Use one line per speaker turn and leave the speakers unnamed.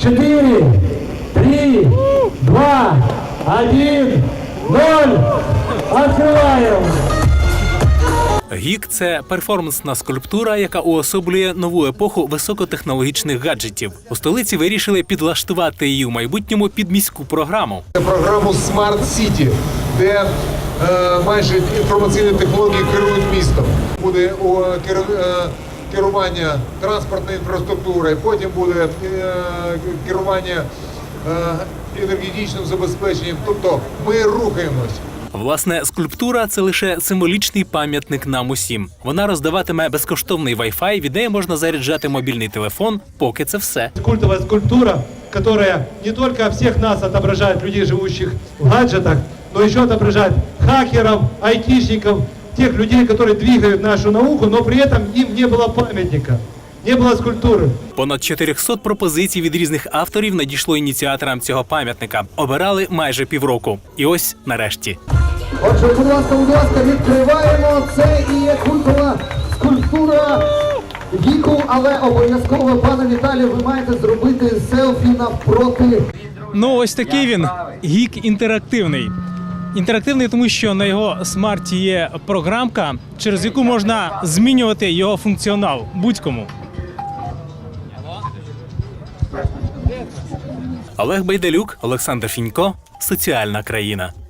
4, 3, 2, 1, 0. Открываем.
Гік – це перформансна скульптура, яка уособлює нову епоху високотехнологічних гаджетів. У столиці вирішили підлаштувати її в майбутньому під міську програму.
Програму Smart City, де майже інформаційні технології керують містом. Буде керування транспортною інфраструктурою, потім буде керування енергетичним забезпеченням. Тобто ми рухаємось.
Власне, скульптура – це лише символічний пам'ятник нам усім. Вона роздаватиме безкоштовний Wi-Fi, від неї можна заряджати мобільний телефон, поки це все.
Культовая скульптура, которая не только всех нас отображает, людей, живущих в гаджетах, но еще отображает хакеров, айтишников, тех людей, которые двигают нашу науку, но при этом им не было памятника, не было скульптуры.
Понад 400 пропозицій від різних авторів надійшло ініціаторам цього пам'ятника. Обирали майже півроку. І ось нарешті.
Отже, будь ласка, відкриваємо. Це і є культова скульптура Гіку, але обов'язково, пане Віталію, ви маєте зробити селфі навпроти.
Ну, ось такий він, гік інтерактивний. Інтерактивний, тому що на його смарті є програмка, через яку можна змінювати його функціонал будь-кому.
Олег Байдалюк, Олександр Фінько. Соціальна країна.